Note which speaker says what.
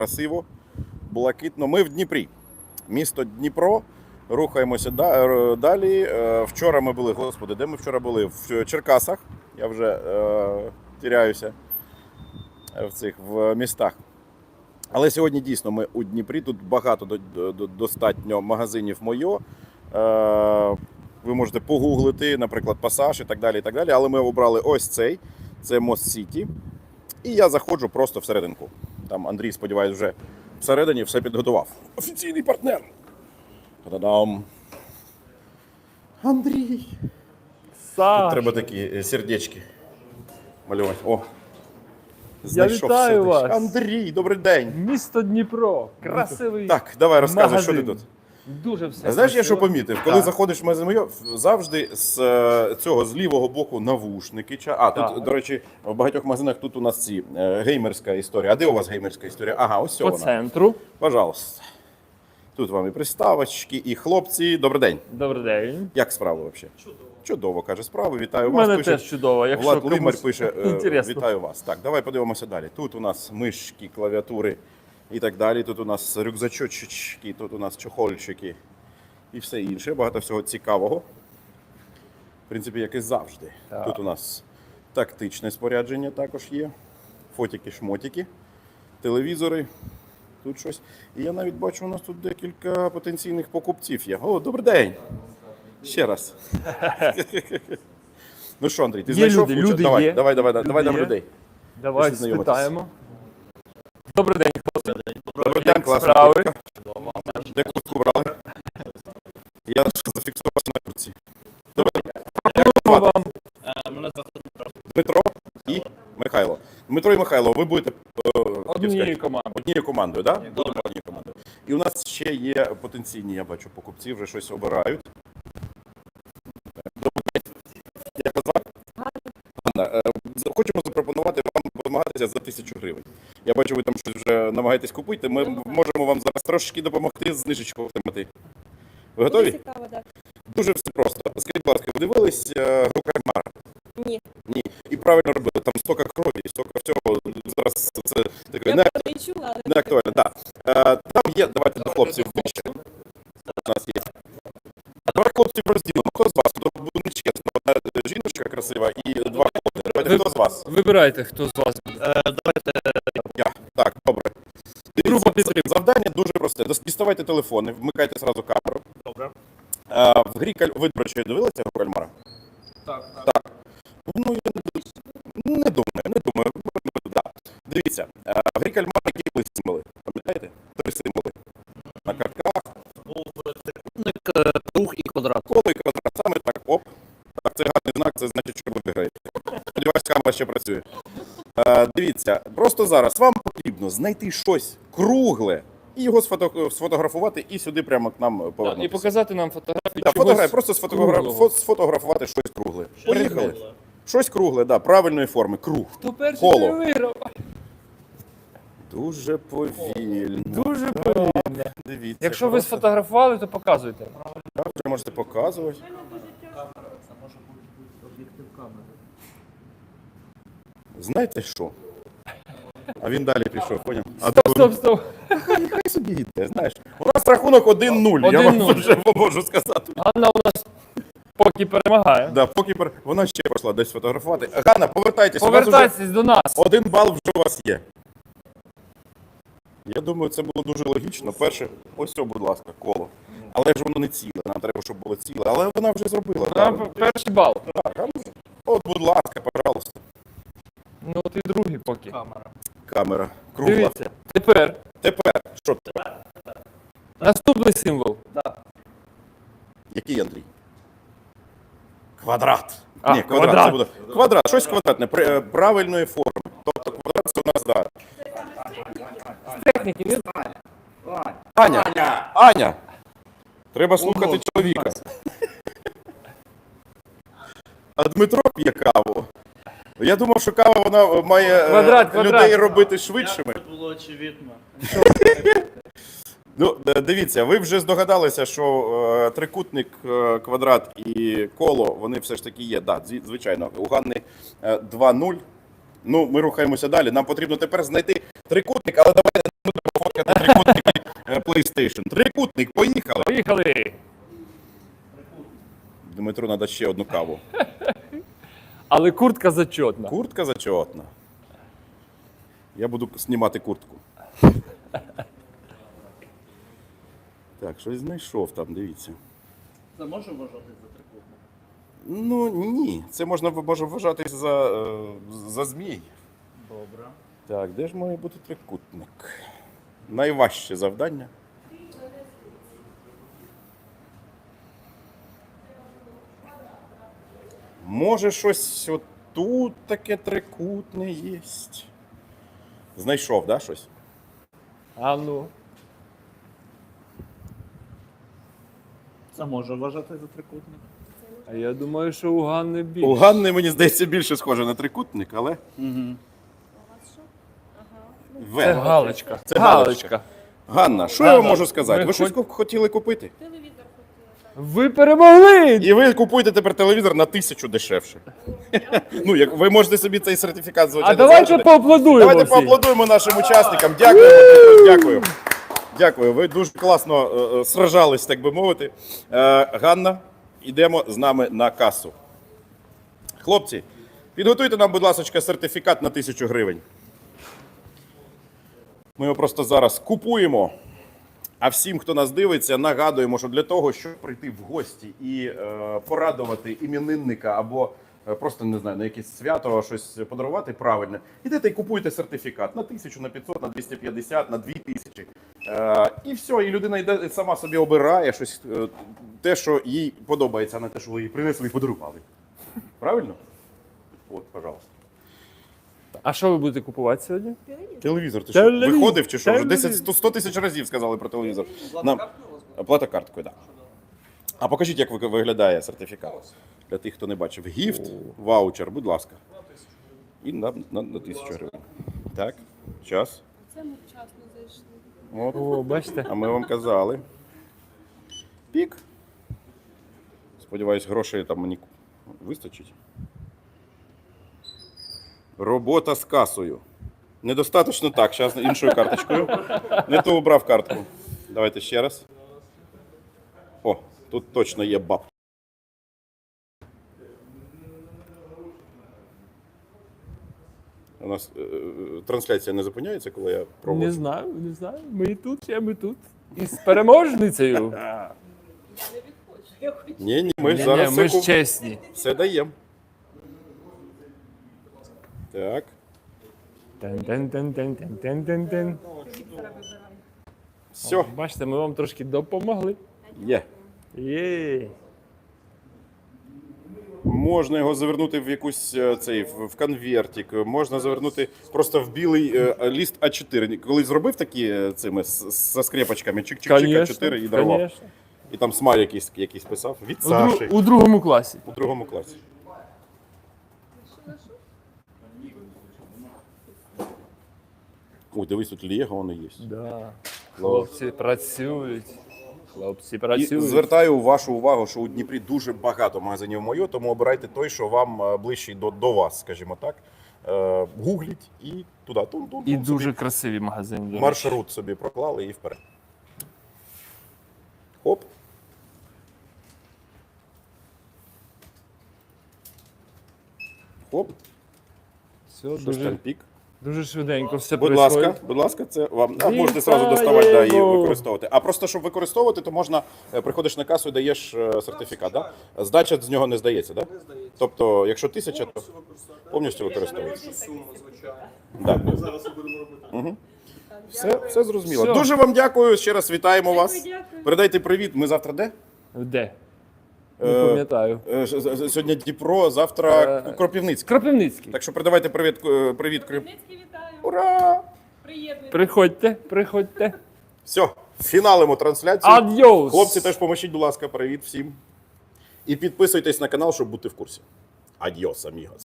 Speaker 1: красиво, блакитно. Ми в Дніпрі. Місто Дніпро. Рухаємося далі. Вчора ми були, господи, де ми вчора були? В Черкасах. Я вже тіряюся в містах. Але сьогодні дійсно ми у Дніпрі. Тут багато достатньо магазинів Мойо. Ви можете погуглити, наприклад, Пасаж і так далі, і так далі. Але ми обрали ось цей. Це Мост Сіті. І я заходжу просто всерединку. Там Андрій, сподіваюсь, вже всередині все підготував. Офіційний партнер. Та-дам! Андрій!
Speaker 2: Саша.
Speaker 1: Тут треба такі сердечки малювати. О!
Speaker 2: Я вітаю вас.
Speaker 1: Андрій, добрий день!
Speaker 2: Місто Дніпро. Красивий.
Speaker 1: Так, давай розказуй,
Speaker 2: магазин.
Speaker 1: що ти тут.
Speaker 2: Дуже все.
Speaker 1: Знаєш, я що
Speaker 2: красиво.
Speaker 1: помітив? Коли
Speaker 2: Так.
Speaker 1: заходиш в магазин Мойо, завжди з цього, з лівого боку навушники. Тут,
Speaker 2: Так.
Speaker 1: до речі, в багатьох магазинах тут у нас ці геймерська історія. А де у вас геймерська історія? Ага, ось
Speaker 2: По
Speaker 1: вона.
Speaker 2: центру.
Speaker 1: Пожалуйста. Тут вам і приставочки, і хлопці. Добрий день.
Speaker 2: Добрий день.
Speaker 1: Як справи взагалі? Чудово. Чудово, каже, справи. Вітаю
Speaker 2: У
Speaker 1: вас.
Speaker 2: мене
Speaker 1: Пише
Speaker 2: теж чудово. Якщо
Speaker 1: Влад Лимар
Speaker 2: комусь
Speaker 1: пише,
Speaker 2: інтересно.
Speaker 1: вітаю вас. Так, давай подивимося далі. Тут у нас мишки, клавіатури і так далі. Тут у нас рюкзачочки, тут у нас чохольчики і все інше. Багато всього цікавого. В принципі, як і завжди.
Speaker 2: Так.
Speaker 1: Тут у нас тактичне спорядження також є. Фотики-шмотики, телевізори. Тут щось. І я навіть бачу, у нас тут декілька потенційних покупців є. О, добрий день! Ще раз. Ну що, Андрій, ти
Speaker 2: Є
Speaker 1: знайшов
Speaker 2: люди,
Speaker 1: кучу?
Speaker 2: люди
Speaker 1: Давай,
Speaker 2: є.
Speaker 1: давай
Speaker 2: Люди
Speaker 1: нам
Speaker 2: є.
Speaker 1: людей.
Speaker 2: Давай
Speaker 1: Пішли знайомитись.
Speaker 2: спитаємо. Добрий день, хлопці.
Speaker 1: Добрий день, класна
Speaker 2: справи?
Speaker 1: куртка. Де куртку брали? Я зафіксувався на куртці. Добрий день.
Speaker 2: Дякую вам.
Speaker 1: Дмитро і Михайло. Дмитро і Михайло, ви будете
Speaker 2: Однією командою.
Speaker 1: однією командою, так? Будемо однією командою. І у нас ще є потенційні, я бачу, покупці вже щось обирають. Добрий день. Як вас звати? Ганна. Хочемо запропонувати вам домагатися за 1000 гривень. Я бачу, ви там щось вже намагаєтесь купити. Ми можемо вам зараз трошки допомогти знижечку отримати. Ви готові?
Speaker 3: Цікаво, так.
Speaker 1: Дуже все просто. Скажіть, будь ласка, ви дивились гру Кальмара?
Speaker 3: Ні.
Speaker 1: Ні. І правильно робили. Там стільки крові, стільки всього. Зараз це таке
Speaker 3: Я про неї чула, але
Speaker 1: не актуально. Так. Там є, давайте до хлопців вище. У нас є. А давай хлопців розділимо. Хто з вас? Тут буде нечесно. Одна жіночка красива і два хлопці. Давайте, хто з вас?
Speaker 2: Вибирайте, хто з вас.
Speaker 1: Я. Так, добре.
Speaker 2: Група підтримки.
Speaker 1: Завдання дуже просте. Діставайте телефони, вмикайте зразу камеру.
Speaker 4: Добре.
Speaker 1: В грі ви, до речі, дивилися гру Кальмара?
Speaker 4: Так.
Speaker 1: Ну, я не думаю. Да. Дивіться, в грі Кальмара які були символи? Пам'ятаєте? 3 символи. На картках.
Speaker 4: Був трикутник, круг і квадрат.
Speaker 1: Коло і квадрат. Саме так, оп. Так, це гарний знак, це значить, що ви виграєте. Сподіваюсь, камера ще працює. Дивіться, просто зараз вам потрібно знайти щось кругле і його сфотографувати і сюди прямо к нам
Speaker 2: І
Speaker 1: повернутися.
Speaker 2: показати нам фотографії
Speaker 1: Да,
Speaker 2: чогось
Speaker 1: просто
Speaker 2: круглого.
Speaker 1: сфотографувати щось кругле. Поїхали. Щось кругле, да, правильної форми. Круг.
Speaker 2: Хто перший
Speaker 1: Коло.
Speaker 2: той виграв?
Speaker 1: Дуже повільно.
Speaker 2: Дуже повільно.
Speaker 1: Дивіться.
Speaker 2: Якщо ви
Speaker 1: просто.
Speaker 2: сфотографували, то показуйте.
Speaker 1: Так, вже можете показувати. Знаєте що? А він далі пішов, поняв?
Speaker 2: Стоп.
Speaker 1: Хай собі йде, знаєш. У нас рахунок 1-0, я вам
Speaker 2: 1-0.
Speaker 1: вже можу сказати.
Speaker 2: Ганна у нас поки перемагає.
Speaker 1: Да, поки вона ще пішла десь фотографувати. Ганна, повертайтеся. У вас
Speaker 2: Повертайтесь до нас.
Speaker 1: вже 1 бал вже у вас є. Я думаю, це було дуже логічно. Перше, ось це, будь ласка, коло. Але ж воно не ціле, нам треба, щоб було ціле. Але вона вже зробила.
Speaker 2: Нам
Speaker 1: Так,
Speaker 2: перший бал.
Speaker 1: так. От, будь ласка, пожалуйста.
Speaker 2: Ну ти другий поки.
Speaker 1: Камера. Кругла.
Speaker 2: Дивіться. Тепер
Speaker 1: Тепер, що тепер?
Speaker 2: наступний символ.
Speaker 1: Який, Андрій? Квадрат.
Speaker 2: А,
Speaker 1: Ні, квадрат.
Speaker 2: квадрат.
Speaker 1: Це буде. Квадрат, щось квадратне, правильної форми. Тобто квадрат це у нас, да.
Speaker 2: Техніки. Він...
Speaker 1: Аня! Треба слухати чоловіка. А Дмитро п'є каву. Я думав, що кава вона має
Speaker 2: Квадрат.
Speaker 1: людей робити швидшими.
Speaker 4: Це було очевидно.
Speaker 1: Ну, дивіться, ви вже здогадалися, що трикутник, квадрат і коло, вони все ж таки є. Так, звичайно, у Ганни 2-0. Ну, ми рухаємося далі. Нам потрібно тепер знайти трикутник, але давайте не будемо PlayStation. Трикутник, поїхали.
Speaker 2: Поїхали!
Speaker 1: Дмитру треба ще одну каву.
Speaker 2: Але куртка зачетна.
Speaker 1: Куртка зачетна. Я буду знімати куртку. Так, щось знайшов там, дивіться.
Speaker 4: Це може вважати за трикутник?
Speaker 1: Ну ні, це може вважати за змій.
Speaker 4: Добре.
Speaker 1: Так, де ж має бути трикутник? Найважче завдання. Може щось отут таке трикутне є. Знайшов, да, щось?
Speaker 2: А ну.
Speaker 4: Це може вважати за трикутник?
Speaker 2: А я думаю, що у Ганни більше.
Speaker 1: У Ганни, мені здається, більше схоже на трикутник, але.
Speaker 4: Угу.
Speaker 1: В.
Speaker 2: Це галочка.
Speaker 1: Це галочка. Ганна, що я вам можу сказати?
Speaker 2: ми
Speaker 1: Ви щось хотіли купити?
Speaker 2: Ви перемогли!
Speaker 1: І ви купуєте тепер телевізор на 1000 дешевше. Ну, як ви можете собі цей сертифікат, звичайно,
Speaker 2: А давайте
Speaker 1: залишити.
Speaker 2: поаплодуємо
Speaker 1: Давайте
Speaker 2: всі.
Speaker 1: поаплодуємо нашим учасникам. Дякую, Дмитро, дякую. Дякую. Ви дуже класно сражались, так би мовити. Ганна, йдемо з нами на касу. Хлопці, підготуйте нам, будь ласка, сертифікат на 1000 гривень. Ми його просто зараз купуємо. А всім, хто нас дивиться, нагадуємо, що для того, щоб прийти в гості і порадувати іменинника або просто, не знаю, на якесь свято щось подарувати правильно, ідете і купуєте сертифікат на 1000, на 500, на 250, на 2000. І все, і людина йде сама собі обирає щось, те, що їй подобається, а не те, що ви їй принесли і подарували. Правильно? От, пожалуйста.
Speaker 2: А що ви будете купувати сьогодні?
Speaker 1: Телевізор, ти що,
Speaker 2: Телевізор.
Speaker 1: виходив чи що? Вже
Speaker 2: Телевізор.
Speaker 1: 100 тисяч разів сказали про телевізор. Плата карткою, так. А покажіть, як виглядає сертифікат. Для тих, хто не бачив. Гіфт, ваучер, будь ласка. І на 1000 гривень. Так, час.
Speaker 3: Це ми вчасно зайшли.
Speaker 1: От.
Speaker 2: О, бачите?
Speaker 1: А ми вам казали. Пік. Сподіваюсь, грошей там мені вистачить. Робота з касою. Недостаточно так, зараз іншою карточкою. Не то обрав картку. Давайте ще раз. О, тут точно є баб. У нас трансляція не зупиняється, коли я пробую.
Speaker 2: Не знаю, не знаю. Ми і тут, ми тут. І з переможницею.
Speaker 3: Не відходжу. Я хочу.
Speaker 1: Ні, ми ж
Speaker 2: Ні,
Speaker 1: зараз
Speaker 2: ми ж
Speaker 1: все,
Speaker 2: чесні.
Speaker 1: все даємо. Так.
Speaker 2: Тен-тен-тен-тен-тен-тен-тен.
Speaker 1: Все,
Speaker 2: Бачите, ми вам трошки допомогли.
Speaker 1: є.
Speaker 2: Є.
Speaker 1: Можна його завернути в якусь в конвертик, можна завернути просто в білий ліст А4. Коли зробив такі цими з скрепочками, чик-чик-чик А4 і дарував.
Speaker 2: Конечно.
Speaker 1: І там смайль якийсь писав. Від
Speaker 2: У,
Speaker 1: Саші.
Speaker 2: у другому класі.
Speaker 1: У другому класі. Ой, дивись, тут Лего воно є.
Speaker 2: Да. Хлопці працюють. Хлопці
Speaker 1: І
Speaker 2: працюють.
Speaker 1: звертаю вашу увагу, що у Дніпрі дуже багато магазинів Мойо, тому обирайте той, що вам ближчий до вас, скажімо так. Гугліть і туди. Тун-тун-тун
Speaker 2: І
Speaker 1: собі.
Speaker 2: дуже красиві магазини. до речі.
Speaker 1: Маршрут собі проклали і вперед. Хоп. Хоп.
Speaker 2: Все,
Speaker 1: Що ж
Speaker 2: дуже,
Speaker 1: там пік?
Speaker 2: дуже швиденько все
Speaker 1: Будь ласка, це вам. А можете
Speaker 2: Вітаємо!
Speaker 1: зразу доставати да, і використовувати. А просто, щоб використовувати, то можна, приходиш на касу і даєш сертифікат. Да? Здача з нього не здається, да? Тобто, якщо 1000, то повністю використовується. Да. Угу. Все зрозуміло.
Speaker 2: Все.
Speaker 1: Дуже вам дякую. Ще раз вітаємо вас.
Speaker 3: Дякую.
Speaker 1: Передайте привіт. Ми завтра де?
Speaker 2: Де? Не пам'ятаю.
Speaker 1: Сьогодні Дніпро, завтра Кропивницький.
Speaker 2: Кропивницький.
Speaker 1: Так що передавайте привіт Кропивницький.
Speaker 3: Хмельницький вітаю.
Speaker 1: Ура!
Speaker 3: Приєднуйтесь.
Speaker 2: Приходьте.
Speaker 1: Все, фіналимо трансляцію.
Speaker 2: Адьос!
Speaker 1: Хлопці, теж поможіть, будь ласка, привіт всім. І підписуйтесь на канал, щоб бути в курсі. Адьос, амігос.